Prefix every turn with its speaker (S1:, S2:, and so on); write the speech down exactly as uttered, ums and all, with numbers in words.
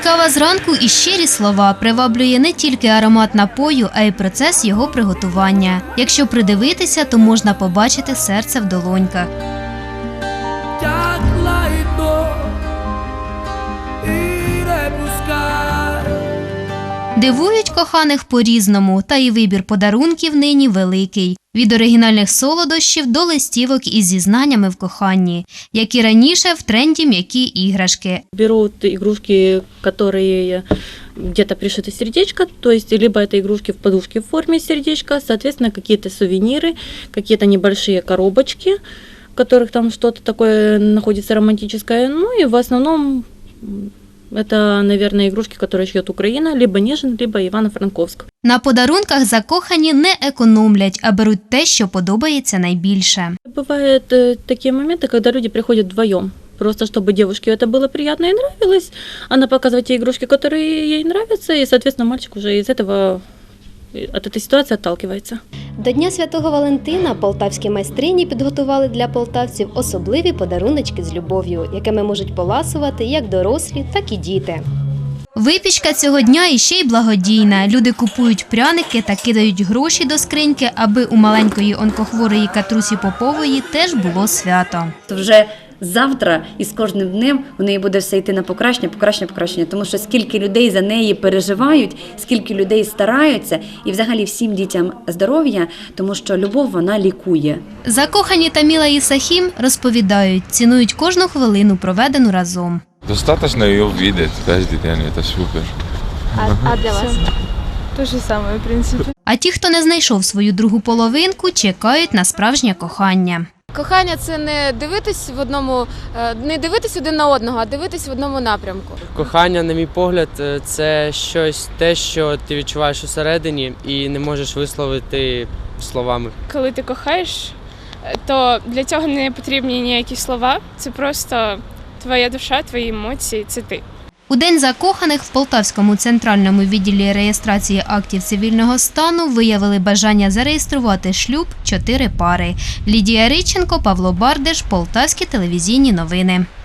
S1: Кава зранку і щирі слова приваблює не тільки аромат напою, а й процес його приготування. Якщо придивитися, то можна побачити серце в долоньках. Дивують коханих по-різному, та і вибір подарунків нині великий. Від оригінальних солодощів до листівок із зізнаннями в коханні, як і раніше в тренді м'які іграшки.
S2: Берут игрушки, которые где-то пришито сердечко, то есть либо это игрушки в подушке в форме сердечка, соответственно, какие-то сувениры, какие-то небольшие коробочки, в которых там что-то такое находится романтическое. Ну и в основном это, наверное, игрушки, которые шьет Украина, либо Нежин, либо Івано-Франковськ.
S1: На подарунках закохані не економлять, а беруть те, що подобається найбільше.
S2: Бывают э, такие моменты, когда люди приходят вдвоем. Просто чтобы девушке это было приятно и нравилось. Она показывает те игрушки, которые ей нравятся, и, соответственно, мальчик уже из этого, от этой ситуации отталкивается.
S3: До Дня Святого Валентина полтавські майстрині підготували для полтавців особливі подаруночки з любов'ю, якими можуть поласувати як дорослі, так і діти.
S1: Випічка цього дня іще й благодійна. Люди купують пряники та кидають гроші до скриньки, аби у маленької онкохворої Катрусі Попової теж було свято.
S4: Вже завтра і з кожним днем у неї буде все йти на покращення, покращення, покращення. Тому що скільки людей за неї переживають, скільки людей стараються, і взагалі всім дітям здоров'я, тому що любов, вона лікує.
S1: Закохані Таміла і Сахім розповідають, цінують кожну хвилину, проведену разом.
S5: Достаточно ее видеть каждый день, это супер.
S3: А, а для вас?
S6: То же самое, в принципі.
S1: А ті, хто не знайшов свою другу половинку, чекають на справжнє кохання.
S7: Кохання – це не дивитись в одному, не дивитись один на одного, а дивитись в одному напрямку.
S8: Кохання, на мій погляд, це щось те, що ти відчуваєш усередині і не можеш висловити словами.
S6: Коли ти кохаєш, то для цього не потрібні ніякі слова. Це просто твоя душа, твої емоції, це ти.
S1: У День закоханих в Полтавському центральному відділі реєстрації актів цивільного стану виявили бажання зареєструвати шлюб чотири пари. Лідія Риченко, Павло Бардеш, Полтавські телевізійні новини.